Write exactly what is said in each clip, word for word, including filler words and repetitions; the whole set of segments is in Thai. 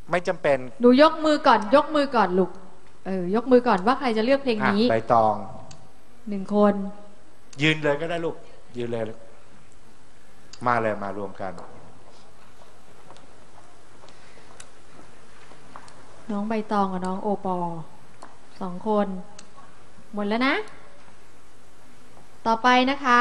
ไม่จำเป็นหนูยกมือก่อนยกมือก่อนลูกเออยกมือก่อนว่าใครจะเลือกเพลงนี้ใบตองหนึ่งคนยืนเลยก็ได้ลูกยืนเลยมาเลยมารวมกันน้องใบตองกับน้องโอปอสองคนหมดแล้วนะต่อไปนะคะ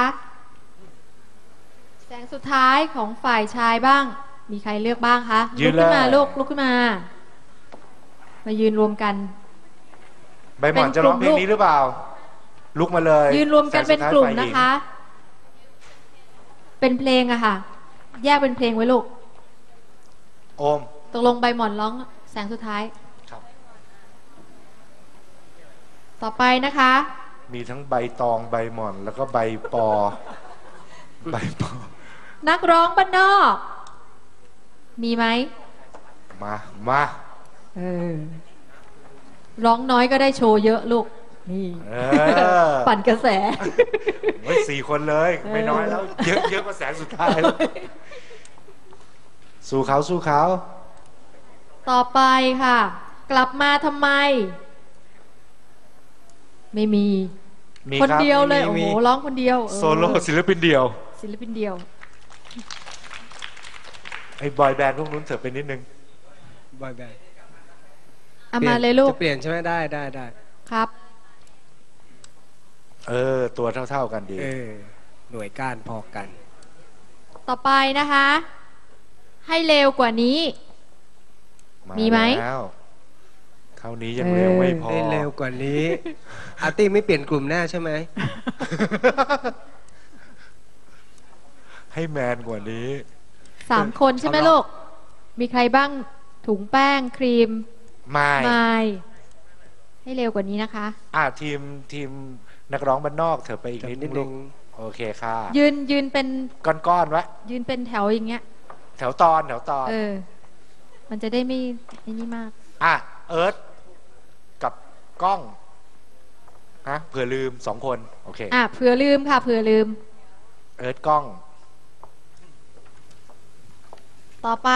แสงสุดท้ายของฝ่ายชายบ้างมีใครเลือกบ้างคะลุกขึ้นมาลูกลุกขึ้นมามายืนรวมกันใบหมอนจะร้องเพลงนี้หรือเปล่าลุกมาเลยยืนรวมกันเป็นกลุ่มนะคะเป็นเพลงอะค่ะแยกเป็นเพลงไว้ลูกโอมตกลงใบหมอนร้องแสงสุดท้ายครับต่อไปนะคะมีทั้งใบตองใบหมอนแล้วก็ใบปอใบปอนักร้องบ้านนอกมีไหมมามาเออร้องน้อยก็ได้โชว์เยอะลูกนี่ปั่นกระแสโอ้ยสี่คนเลยไม่น้อยแล้วเยอะเยอะกว่าแสงสุดท้ายสู้เขาสู้เขาต่อไปค่ะกลับมาทำไมไม่มีคนเดียวเลยโอ้โหร้องคนเดียวโซโล่ศิลปินเดียวศิลปินเดียวไอ้บอยแบนด์พวกนู้นเถอะไปนิดนึงบอยแบนด์เอามาเลยลูกจะเปลี่ยนใช่ไหมได้ได้ได้ครับเออตัวเท่าๆกันดีเออหน่วยก้านพอกันต่อไปนะคะให้เร็วกว่านี้มีไหมเท่านี้ยังเร็วไม่พอให้เร็วกว่านี้อาร์ตี้ไม่เปลี่ยนกลุ่มแน่ใช่ไหมให้แมนกว่านี้สามคนใช่ไหมลูกมีใครบ้างถุงแป้งครีมไม่ไม่ให้เร็วกว่านี้นะคะอ่าทีมทีมนักร้องบ้านนอกเถอะไปอีกนิดนึงโอเคค่ะยืนยืนเป็นก้อนๆไว้ยืนเป็นแถวอย่างเงี้ยแถวตอนแถวตอนเออมันจะได้ไม่ไอ้นี่มากอ่ะเอิร์ธกับกล้องฮะเผื่อลืมสองคนโอเคอ่ะเผื่อลืมค่ะเผื่อลืมเอิร์ธกล้องต่อไป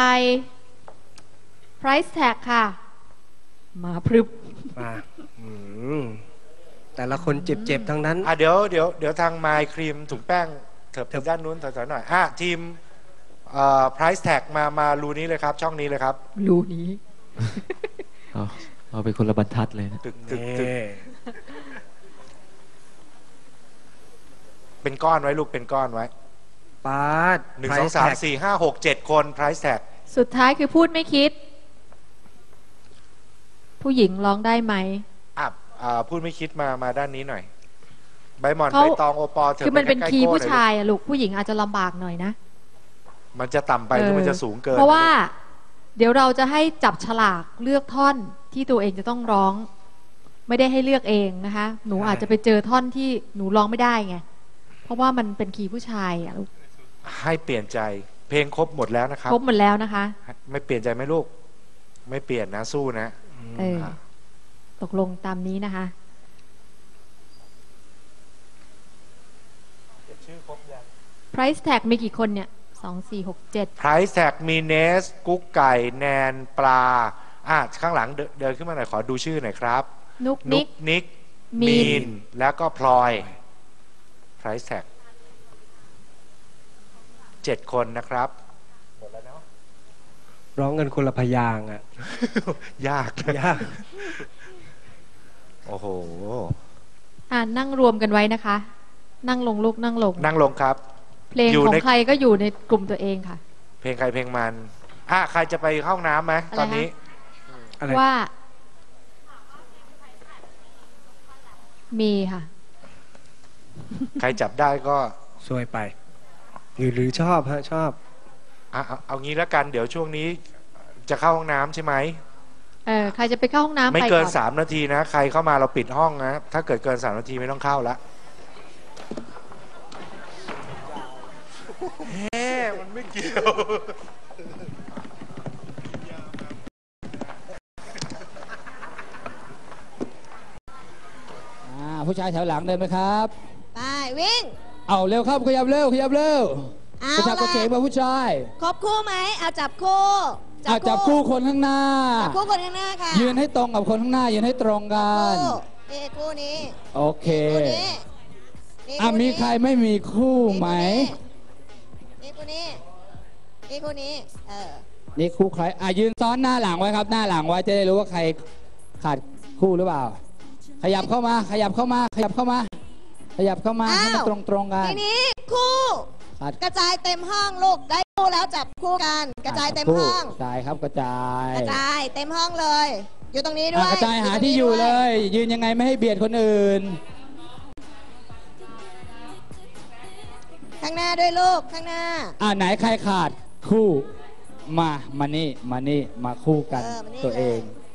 price tag ค่ะมาพรึบมาแต่ละคนเจ็บๆทั้งนั้นอ่ะเดี๋ยวเดี๋ยวเดี๋ยวทางไมค์ครีมถุงแป้งเถิบด้านนู้นถอยๆหน่อยอ่ะทีมเอ่อ price tag มามารูนี้เลยครับช่องนี้เลยครับรูนี้เอาเอาไปคนละบรรทัดเลยนะตึกตึกตึกเป็นก้อนไว้ลูกเป็นก้อนไว้ปาดหนึ่งสองสามสี่ห้าหกเจ็ดคน price tag สุดท้ายคือพูดไม่คิดผู้หญิงร้องได้ไหมอ่ะพูดไม่คิดมามาด้านนี้หน่อยใบหมอนใบตองโอปอเธอคือมันเป็นคีย์ผู้ชายอะลูกผู้หญิงอาจจะลำบากหน่อยนะมันจะต่ำไปหรือมันจะสูงเกินเพราะว่าเดี๋ยวเราจะให้จับฉลากเลือกท่อนที่ตัวเองจะต้องร้องไม่ได้ให้เลือกเองนะคะหนูอาจจะไปเจอท่อนที่หนูร้องไม่ได้ไงเพราะว่ามันเป็นคีย์ผู้ชายอะลูกให้เปลี่ยนใจเพลงครบหมดแล้วนะครับครบหมดแล้วนะคะไม่เปลี่ยนใจไหมลูกไม่เปลี่ยนนะสู้นะเออตกลงตามนี้นะคะชื่อครบยัง price tag มีกี่คนเนี่ยสองสี่หกเจ็ด price tag มีเนสกุ๊กไก่แนนปลาอ่ะข้างหลังเดินขึ้นมาหน่อยขอดูชื่อหน่อยครับนุกนิกนิกมีนแล้วก็พลอย price tag เจ็ดคนนะครับหมดแล้วเนาะร้องกันคนละพยางอ่ะยากยากโอ้โหอ่านั่งรวมกันไว้นะคะนั่งลงลูกนั่งลงนั่งลงครับเพลงของใครก็อยู่ในกลุ่มตัวเองค่ะเพลงใครเพลงมันอ่ะใครจะไปเข้าห้องน้ำไหมตอนนี้ว่ามีค่ะใครจับได้ก็ซวยไปหรือหรือชอบฮะชอบอ่ะเอางี้แล้วกันเดี๋ยวช่วงนี้จะเข้าห้องน้ำใช่ไหมเออใครจะไปเข้าห้องน้ำไม่เกินสามนาทีนะใครเข้ามาเราปิดห้องนะถ้าเกิดเกินสามนาทีไม่ต้องเข้าละเฮ้มันไม่เกี่ยวผู้ชายแถวหลังเดินไหมครับไปวิ่งเอาเร็วครับขยับเร็วขยับเร็วผู้ชายก็เจ๋งมาผู้ชายครบคู่ไหมเอาจับคู่อ่ะจับคู่คนข้างหน้าจับคู่คนข้างหน้าค่ะยืนให้ตรงกับคนข้างหน้า ยืนให้ตรงกันคู่นี่คู่นี้โอเคคู่นี้นี่อ่ะคู่มีนี้ใครไม่มีคู่ไหมนี่คู่นี้นี่คู่นี้เออนี่คู่ใคร อ่ะยืนซ้อนหน้าหลังไว้ครับ หน้าหลังไว้จะได้รู้ว่าใครขาดคู่หรือเปล่า ขยับเข้ามา ขยับเข้ามา ขยับเข้ามา ขยับเข้ามาให้มันตรงตรงๆกันทีนี้คู่ขาดกระจายเต็มห้องลูกได้คู่แล้วจับคู่กันกระจายเต็มห้องกระจายครับกระจายกระจายเต็มห้องเลย อยู่ตรงนี้ด้อ่ะวยกระจายหาที่อยู่เลย ยืนยังไงไม่ให้เบียดคนอื่นข้างหน้าด้วยลูกข้างหน้าอ่ะไหนใครขาดคู่มามานี่มานี่มาคู่กันเออมานี่ตัวเอง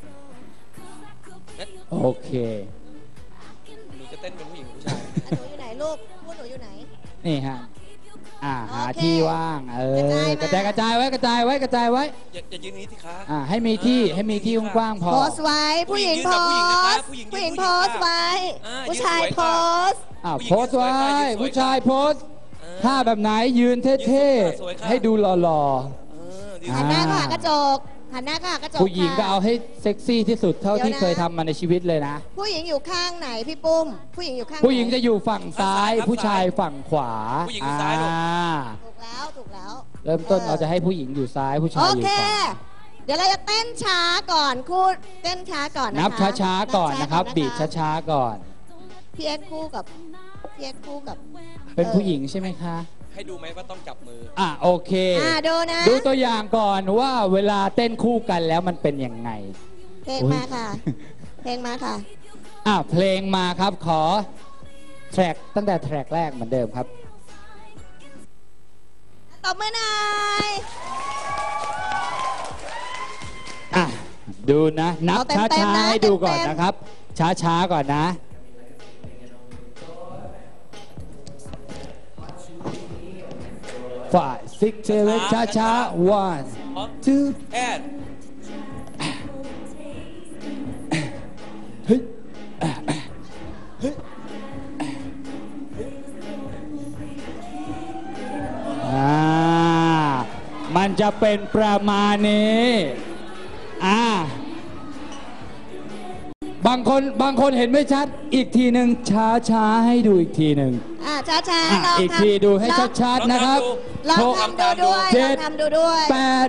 โอเคหนูจะเต้นเป็นผู้หญิงผู้ชายอ่ะหนูอยู่ไหนลูกคู่หนูอยู่ไหนนี่ฮะอ่าหาโอเคที่ว่างเออกระจายมากระจายกระจายไว้กระจายไว้กระจายไว้อย่าอย่ายืนนี้สิคะอ่าให้มีที่เออให้มีที่กว้างๆพอโพสต์ไว้ผู้หญิงโพสต์ผู้หญิงยืนผู้หญิงผู้โพหญิงสต์ไว้อ่าผู้ชายยืนสวยโพค่ะสต์อ่าผู้หญิงโพสต์ไว้ยืนสวยค่ะผู้ชายโพสต์เออท่าแบบไหนยืนเท่ยืนสวยค่ะๆให้ดูหล่อเออดีอ่หันหน้าเข้าหากระจกหันหน้าเข้าหากระจกๆผู้หญิงก็ค่ะเอาให้เซ็กซี่ที่สุดเท่าเดี๋ยวที่นะเคยทำมาในชีวิตเลยนะผู้หญิงอยู่ข้างไหนพี่ปุ้ม ผู้หญิงอยู่ข้างผู้หญิงไนจะอยู่ฝั่งซ้ายฝั่งซ้ายผู้ชายฝั่งขวาผู้หญิงอยู่ซ้ายลูกอ่าถูกแล้วถูกแล้วเริ่มต้นเราจะให้ผู้หญิงอยู่ซ้ายผู้ชายโออยู่เคขวาเดี๋ยวเราจะเต้นช้าก่อนคู่เต้นช้าก่อนนะคะนับช้าๆก่อนนะครับนับีบช้าช้าๆก่อนๆพี่เอ็กซ์คู่กับพี่เอ็กซ์คู่กับเป็นผู้หญิงใช่ไหมคะให้ดูไหมว่าต้องจับมืออ่ะโอเคอ่าดูนะดูตัวอย่างก่อนว่าเวลาเต้นคู่กันแล้วมันเป็นยังไงเพลงมาค่ะ เพลงมาค่ะอ่ะเพลงมาครับขอแทร็กตั้งแต่แทร็กแรกเหมือนเดิมครับตบมือหน่อยอ่ะดูนะ นับเอาเต็มช้าๆนะๆให้ดูก่อนเต็มๆนะครับ ช้าๆก่อนนะ five six seven ช้าๆ one พร้อม two แอดเฮ้ยอ่ามันจะเป็นประมาณนี้อ่าบางคนบางคนเห็นไม่ชัดอีกทีหนึ่งช้าช้าๆให้ดูอีกทีหนึ่งอ่าช้าช้าอ่ะลองอีกทำทีดูให้ลองชัดๆนะครับลองหกทำดูด้วยเจ็ลอดงทำดูด้วยแปด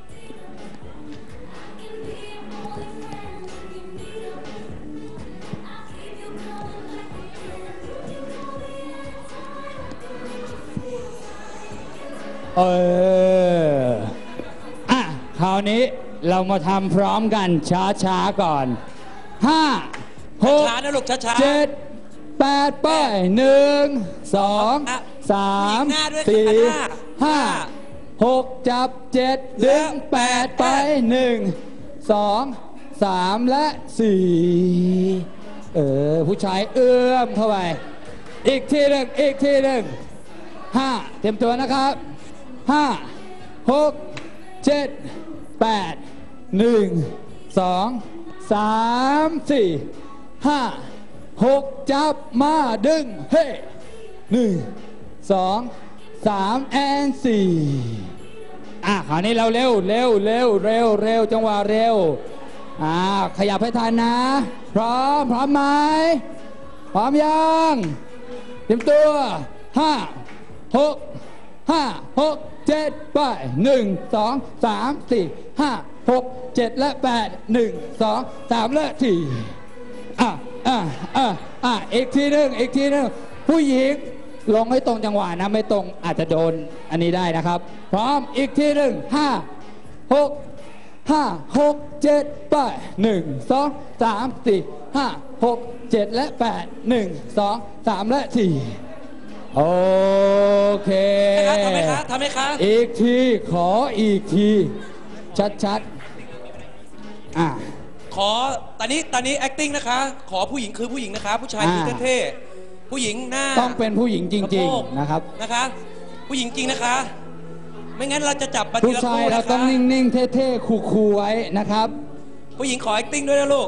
เอออ่ะคราวนี้เรามาทำพร้อมกันช้าๆก่อนห้าหกช้าๆนะลูกช้าๆเจ็ดแปดไปหนึ่งสองอ่ะสามผู้หญิงหน้าด้วยสี่ค่ะห้าห้าหกจับเจ็ดแล้ดึวงแปดไปหนึ่งสองสามและสี่เออผู้ชายเอื้อมเข้าไปอีกทีหนึ่งอีกทีหนึ่งห้าเตรียมตัวนะครับห้าหกเจ็ดแปดหนึ่งสองสามสี่ห้าหกจับมาดึงเฮ้หนึ่งสองสามแอนสี่อ่ะคราวนี้เราเร็วเร็วเร็วเร็วเร็วจังหวะเร็วอ่าขยับให้ทันนะ พร้อมพร้อมไหมพร้อมยังเตรียมตัวห้าหกห้าหกเจ็ดไปหนึ่งสองสามสี่ห้าหกเจ็ดและแปดหนึ่งสองสามและสี่อ่ะอ่ะอ่ะอ่ะอีกทีหนึ่งอีกทีหนึ่งผู้หญิงลงให้ตรงจังหวะนะไม่ตรงอาจจะโดนอันนี้ได้นะครับ พร้อมอีกทีหนึ่งห้าหกห้าหกเจ็ดไปหนึ่งสองสามสี่ห้าหกเจ็ดและแปดหนึ่งสองสามและสี่โอเคทำไหมคะทำไหมคะอีกทีขออีกที ชัดๆอ่ะขอตอนนี้ตอนนี้ acting นะคะ ขอผู้หญิงคือผู้หญิงนะคะ ผู้ชายคืออ่าเท่ๆผู้หญิงหน้าต้องเป็นผู้หญิงจสะริงโพกๆนะครับนะคะ ผู้หญิงจริงนะคะ ไม่งั้นเราจะจับมาทีผู้ละชายคู่เรานะต้องคะนิ่งๆ เท่ๆ คูลๆ ไว้นะครับผู้หญิงขอ acting ด้วยนะลูก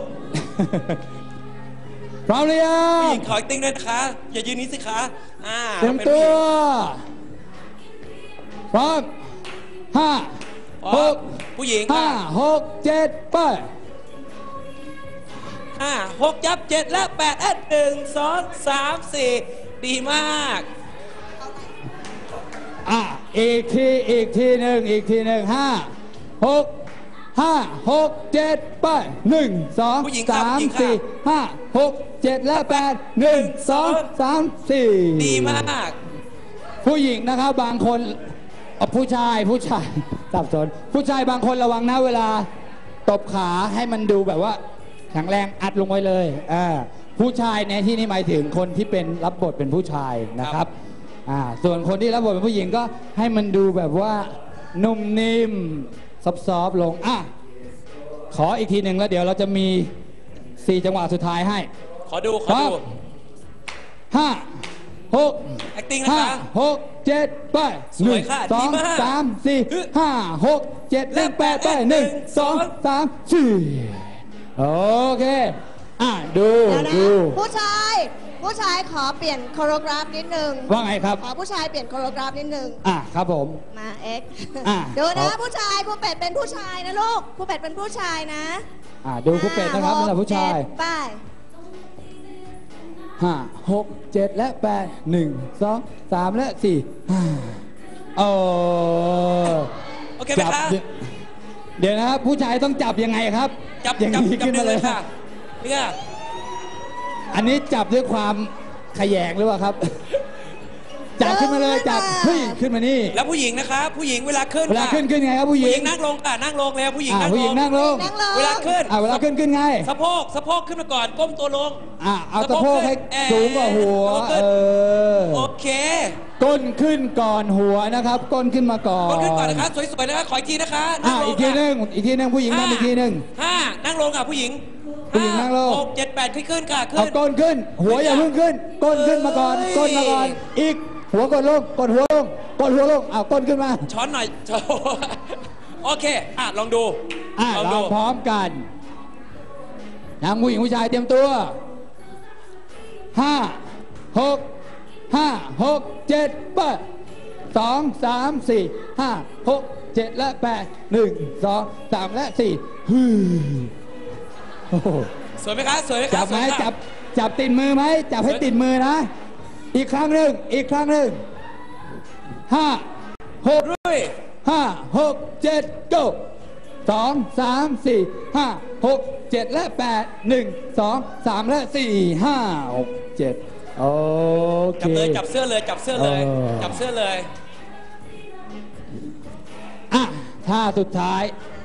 พร้อมหรือยัผู้หงญิงขอ acting ด้วยนะคะ อย่ายืนนี้สิคะอ่าเตรียมป็นตัผู้หวญิงพร้อมห้าหกผู้หญิงห้าค่ะหกเจ็ดไปห้าหกยับเจ็ดและแปดเอ็ดหนึ่งสองสามสี่ดีมากอ่ะอีกทีอีกทีหนึ่งอีกทีหนึ่งห้าหกห้าหกเจ็ดไปหนึ่งสองผู้หญิงครับสามผู้หญิงครับสี่ห้าหกเจ็ดและแปดหนึ่งสองสามสี่ดีมากผู้หญิงนะครับบางคนเอ่อผู้ชายผู้ชาย สับสนผู้ชายบางคนระวังนะเวลาตบขาให้มันดูแบบว่าแข็งแรงอัดลงไว้เลยอ่าผู้ชายในที่นี้หมายถึงคนที่เป็นรับบทเป็นผู้ชายนะครับอ่าส่วนคนที่รับบทเป็นผู้หญิงก็ให้มันดูแบบว่านุ่มนิ่มซอฟๆลงอ่ะขออีกทีหนึ่งแล้วเดี๋ยวเราจะมีสี่จังหวะสุดท้ายให้ขอดู ขอครัดูบ ห้าหก acting นะคะห้าหกเจ็ดไปสวยค่ะหนึ่งสองดีมากสามสี่ห้าหกเจ็ดและและแปดไปแปดหนึ่งหนึ่งสองสองสามสี่โอเคอ่ะดูเดี๋ยวนะดูผู้ชาย ผู้ชายขอเปลี่ยนโคโรกราฟนิดนึงว่าไงครับขอผู้ชายเปลี่ยนโคโรกราฟนิดนึงอ่ะครับผมมาเอ็กซ์อ่ะดูนะครับผู้ชายครูเป็ดเป็นผู้ชายนะลูกครูเป็ดเป็นผู้ชายนะอ่ะดูครูเป็ดนะครับห้สำหรับผู้ชายหกเจ็ดไปห้าหกเจ็ดและแปดหนึ่งสองสามและสี่ห้าโอ้โอเคไหมจับคะเดี๋ยวนะครับผู้ชายต้องจับยังไงครับจับอย่างจับนี้จับขึ้นดึมาง เลเลย ยค่ะเนี่ยอันนี้จับด้วยความขยงหรือเปล่าครับ จับขึ้นมาเลยจับเฮ้ยขึ้นมานี่แล้วผู้หญิงนะคะ ผู้หญิงเวลาขึ้นเวลาค่ะขึ้นขึ้นไงครับผู้หผู้ญิหงญิงนั่งลงค่ะนั่งลงแล้วผู้หญิงอ่านั่งผู้หลญิงงนั่งลงนั่งลงเวลาขึ้นอ่าเวลาขึ้นขึ้นไงสะโพกสะโพกขึ้นมาก่อนก้มตัวลงอ่าเอาสะโพกให้เอ่อสูงกว่าหัวสะโพกขึ้เอน อโอเคก้นขึ้นก่อนหัวนะครับ ก้นขึ้นมาก่อนก้มขึ้นก่อนนะคะสวยๆนะคะขออีกทีนะคะอ่านั่งลอีงกทีค่ะหนึงอีกทีหนึงผู้หญิงห้าทำอีกทีหนึงห้านั่งลงค่ะผู้หญิงผู้หญิงนั่งลงหกเจ็ดแปดขึ้นขึ้นค่ะขึ้เอานก้นขึ้น หัวอย่าเพิ่งขึ้น ก้นขึ้นมาก่อนเอ้ยก้นมาก่อน อีกหัวกดลงกดหัวลงกดหัวลงเอาก้นขึ้นมาช้อนหน่อย โอเคอ่ะลองดูอ่ะลองเราดูพร้อมกันทั้งผู้หญิงผู้ชายเตรียมตัวห้าหกห้าหกเจ็ดแปดสองสามสี่ห้าหกเจ็ดและแปดหนึ่งสองสามและสี่ฮึ่มโอ้โหสวยไหมคะสวยไหมคะจับไหมสวยค่ะจับจับติดมือไหมจับให้ติดมือนะ อีกครั้งหนึ่งอีกครั้งหนึ่งห้าหกรุ่ยห้าหกเจ็ด go สองสามสี่ห้าหกเจ็ดและแปดหนึ่งสองสามและสี่ห้าหกเจ็ดโอเคจับเลยจับเสื้อเลยจับเสื้อเลยเออจับเสื้อเลยอ่ะท่าสุดท้าย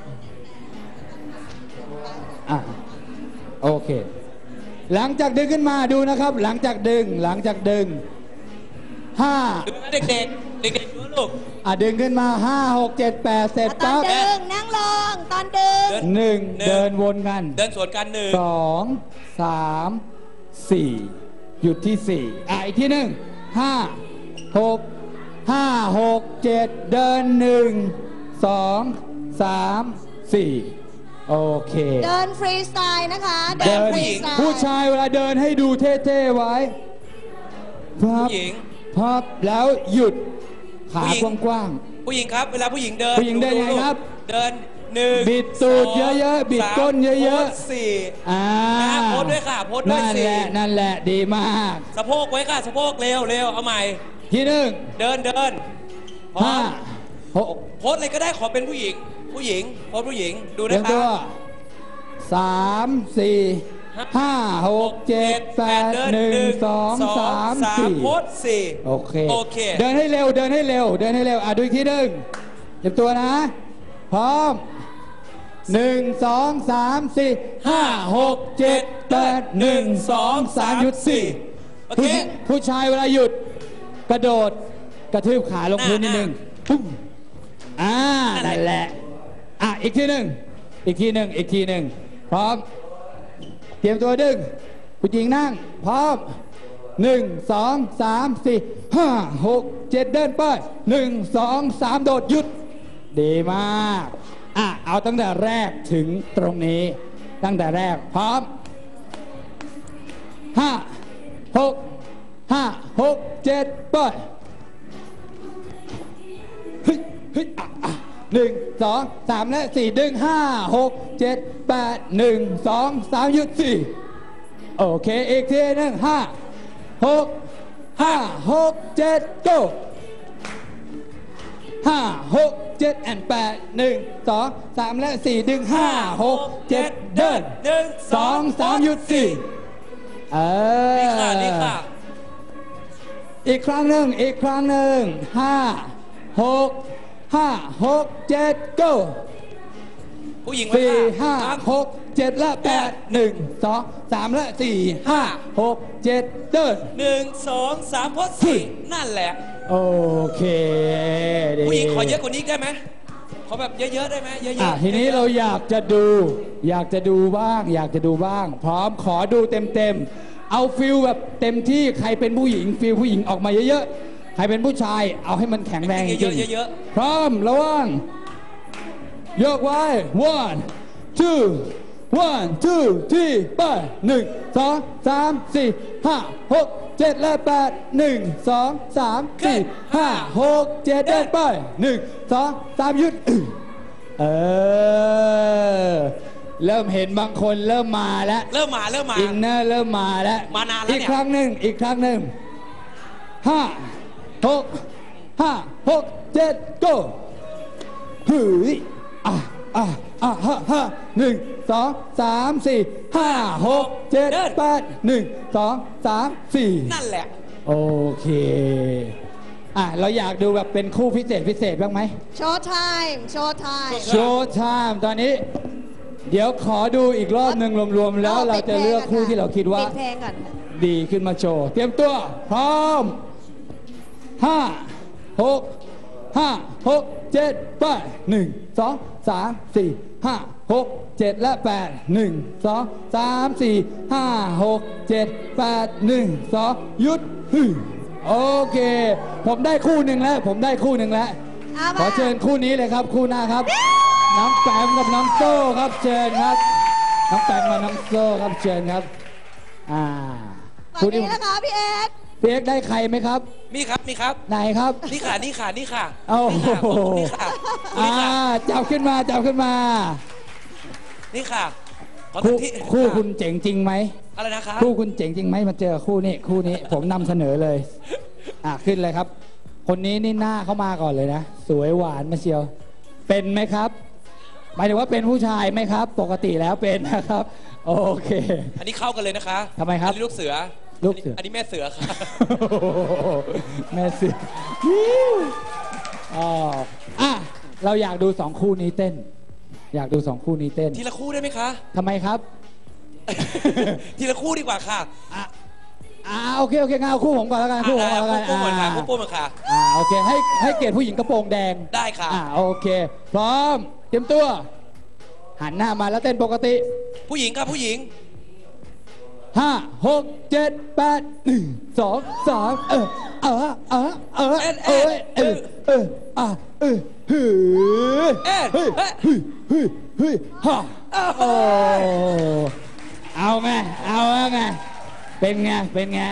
อ่ะโอเค หลังจากดึงขึ้นมาดูนะครับ หลังจากดึงหลังจากดึงห้าดูนะเด็กๆ เด็กๆดูนะลูกอ่ะดึงขึ้นมาห้าหกเจ็ดแปดเสร็จตอนปั๊บดึงนั่งลงตอนดึงเดินหนึ่งหนึ่งเดินวนกันเดินสวนกันหนึ่งสองสามสี่หยุดที่สี่อ่ะอีกที่หนึ่งห้าหกห้าหกเจ็ดเดินหนึ่งสองสามสี่โอเคเดินฟรีสไตล์นะคะเดินฟรีสไตล์ผู้ชายเวลาเดินให้ดูเท่ๆไว้พับผู้หญิงพับแล้วหยุดขาผู้หญิงกว้างผู้หญิงครับ เวลาผู้หญิงเดินผู้หญิงเดินยังไงครับเดินหนึ่งบิดตูดสงเยอะๆบิดสามก้นเยอะๆโพสสี่ๆอ่าอ่ะโพสด้วยค่ะโพสด้วยนั่นสิแหละนั่นแหละดีมากสะโพกไว้ค่ะสะโพกเร็วเร็วเอาใหม่ที่หนึ่งเดินเดินพร้อห้าม หกโพสอะไรก็ได้ขอเป็นผู้หญิง ผู้หญิงโพสผู้หญิงดูเตรีนะยมคตัรัวบสามสี่ห้าหกเจ็ดแปดเดินหนึ่งสองสามสี่โพสสี่โอเคโอเคเดินให้เร็วเดินให้เร็ว เดินให้เร็วอ่ะดูอีกทีหนึ่งเตรียมตัวนะ พร้อมหนึ่งสองสามสี่ห้าหกเจ็ดแปดหนึ่งสองสามหยุดสี่โอเคผู้ผู้ชายเวลาหยุดกระโดดกระทืบขาลงพื้นนิดนึงปุ้มอ่านั่นแหละอ่ะอีกทีหนึ่งอีกทีหนึ่งอีกทีหนึ่งพร้อมเตรียมตัวดึงผู้หญิงนั่งพร้อมหนึ่งสองสามสี่ห้าหกเจ็ดเดินไปหนึ่งสองสามโดดหยุดดีมากอ่ะเอาตั้งแต่แรกถึงตรงนี้ ตั้งแต่แรกพร้อมห้าหกห้าหกเจ็ดไปเฮ้ยเฮ้ยอ่ะอ่ะหนึ่งสองสามและสี่ดึงห้าหกเจ็ดแปดหนึ่งสองสามหยุดสี่โอเคอีกทีหนึ่งห้าหกห้าหกเจ็ด go ห้าหกเจ็ดแอนแปดหนึ่งสองสามและสี่ดึงห้าหกเจ็ดเดินหนึ่งสองสามหยุดสี่เออนี่ค่ะนี่ค่ะอีกครั้งหนึ่งอีกครั้งหนึ่งห้าหกห้าหกเจ็ด go ผู้หญิงสี่ค่ะห้าหกเจ็ดและแปดหนึ่งสองสามและสี่ห้าหกเจ็ดเดินหนึ่งสองสามพดสี่นั่นแหละโอเคดีผู้หญิงขอเยอะกว่านี้ได้ไหมขอแบบเยอะๆได้ไหมเยอะอ่ะๆทีนี้เราอยากจะดู อยากจะดูบ้าง อยากจะดูบ้าง พร้อมขอดูเต็มๆเอาฟิลแบบเต็มที่ใครเป็นผู้หญิงฟิลผู้หญิงออกมาเยอะๆใครเป็นผู้ชายเอาให้มันแข็งแรงจเยริอะงๆเยอะๆพร้อมระวังยกไว้ one two one two three ไปหนึ่งสองสามสี่ห้าหกเจ็ดและแปดหนึ่งสองสามสี่ห้าหกเจ็ดเดินไปหนึ่งสองสามหยุดเออเริ่มเห็นบางคนเริ่มมาแล้วๆเริ่มมาเริ่มมาอินเนอร์เริ่มมาแล้วมานานแล้วเนี่ยอีกครั้งหนึ่งอีกครั้งหนึ่งห้าหกห้าหกเจ็ด go หืออ่ะอ่ะอ่ะห้าห้าหนึ่งสองสามสี่ห้าหกเจ็ดแปดหนึ่งสองสามสี่นั่นแหละโอเคอ่ะเราอยากดูแบบเป็นคู่พิเศษพิเศษบ้างไหมโชว์ไทม์โชว์ไทม์โชว์ไทม์ตอนนี้ เดี๋ยวขอดูอีกรอบหนึ่งรวมๆแล้วเราจะเลือกคู่ที่เราคิดว่าปิดเพลงก่อนค่ะดีขึ้นมาโชว์ เตรียมตัว พร้อมห้าหกห้าหกเจ็ดไปหนึ่งสองสามสี่ห้าหกเจ็ดและแปดหนึ่งสองสามสี่ห้าหกเจ็ดแปดหนึ่งสองหยุดฮึโอเค ผมได้คู่หนึ่งแล้ว ผมได้คู่หนึ่งแล้วเอาขอมาเชิญคู่นี้เลยครับคู่หน้าครับ น้องแปมกับน้องโซ่ครับเชิญครับ น้องแปมกับน้องโซ่ครับเชิญครับอ่าฝั่งนี้นะคะพี่เอ็กซ์พี่เอ็กซ์ได้ใครไหมครับมีครับมีครับไหนครับนี่ค่ะนี่ค่ะนี่ค่ะโอ้โหนี่ค่ะอ่านี่ค่ะจับขึ้นมาจับขึ้นมานี่ค่ะขอคู่ที่คู่คุณเจ๋งจริงไหมอะไรนะคะคู่คุณเจ๋งจริงไหมมาเจอคู่นี้คู่นี้ ผมนำเสนอเลยอ่ะขึ้นเลยครับ คนนี้นี่หน้าเข้ามาก่อนเลยนะ สวยหวานมาเชียว เป็นไหมครับ หมายถึงว่าเป็นผู้ชายไหมครับ ปกติแล้วเป็นนะครับ โอเคอันนี้เข้ากันเลยนะคะทำไมครับอันนี้ลูกเสือลูกเสืออันนี้แม่เสือค่ะแม่เสืออ๋ออ่ะเราอยากดูสองคู่นี้เต้น อยากดูสองคู่นี้เต้นทีละคู่ได้ไหมคะทำไมครับทีละคู่ดีกว่าค่ะอ่ะอ่าโอเคโอเคงั้นเอาคู่ผมก่อนแล้วกันคู่ผมก่อนแล้วกันคู่โป้งเหมือนค่ะอ่าคู่โป้งเหมือนค่ะอ่าโอเคให้ให้เกียรติผู้หญิงกระโปรงแดงได้ค่ะอ่าโอเค พร้อมเตรียมตัว หันหน้ามาแล้วเต้นปกติผู้หญิงครับผู้หญิงห้าหกเจ็ดแปดหนึ่งสองสามเออเออเออเออเอ็ดเอเอ็อดเออเอออ่ะเออเฮ้ยเอ็ดเฮ้ยเอ็ดเฮ้ยเฮ้ยเฮ้ยฮ่าโอ้เอาไงเอาไงเป็นไงเป็นไง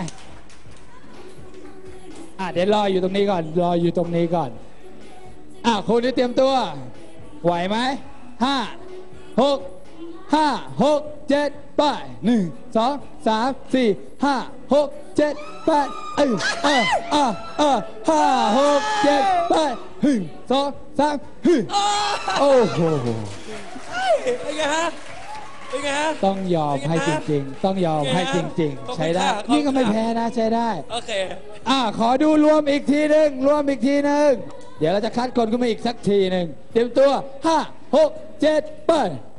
อ่ะเดี๋ยวรออยู่ตรงนี้ก่อนรออยู่ตรงนี้ก่อนอ่ะคุณนี่เตรียมตัวไหวไหมห้าหกห้าหกเจ็ดไปหนึ่งสองสามสี่ห้าหกเจ็ดแปดเออเออเออเออห้าหกเจ็ดแปดหนึ่งสองสามฮึโอ้โหเป็นไงฮะเป็นไงฮะต้องยอมให้จริงๆ ต้องยอมให้จริง ๆ ใช้ได้ขอบคุณค่ะนี่ก็ไม่แพ้นะใช้ได้โอเคอ่าขอดูรวมอีกทีหนึ่งรวมอีกทีหนึ่งเดี๋ยวเราจะคัดคนขึ้นมาอีกสักทีหนึ่งเตรียมตัวห้าหกเจ็ดไป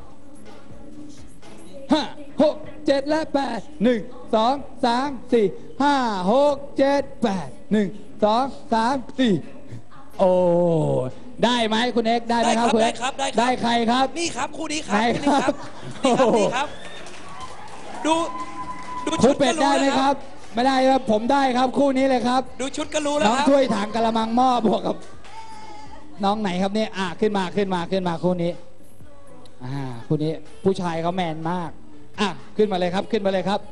ห้าหกเจ็ดและแปดหนึ่งสองสามสี่ห้าหกเจ็ดแปดหนึ่งสองสามสี่โอ้ได้ไหมคุณเอ็กซ์ได้ไหมครับคุณได้เอ็กซ์ครับได้ครับได้ใครครับนี่ครับคู่นี้ครับไหนคู่นี้ครับครับนี่ครับนี่ครับ ดูดูครูชุดเป็ก็ดรู้ได้แล้วไหมครับ ไม่ได้ครับผมได้ครับคู่นี้เลยครับดูชุดก็รู้แล้วน้องครับถ้วยถังกระมังหม้อบวกกับ น้องไหนครับเนี่ยอ่ะขึ้นมาขึ้นมาขึ้นมาคู่นี้อ่าคู่นี้ผู้ชายเขาแมนมากอ่ะขึ้นมาเลยครับขึ้นมาเลยครับ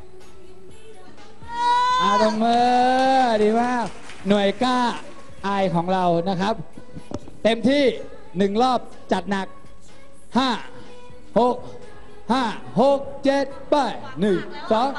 อาตบมือดีมากหน่วยกล้าอายของเรานะครับ เต็มที่หนึ่งรอบจัดหนักห้าหกห้าหกเจ็ดไปหนึ่งสอง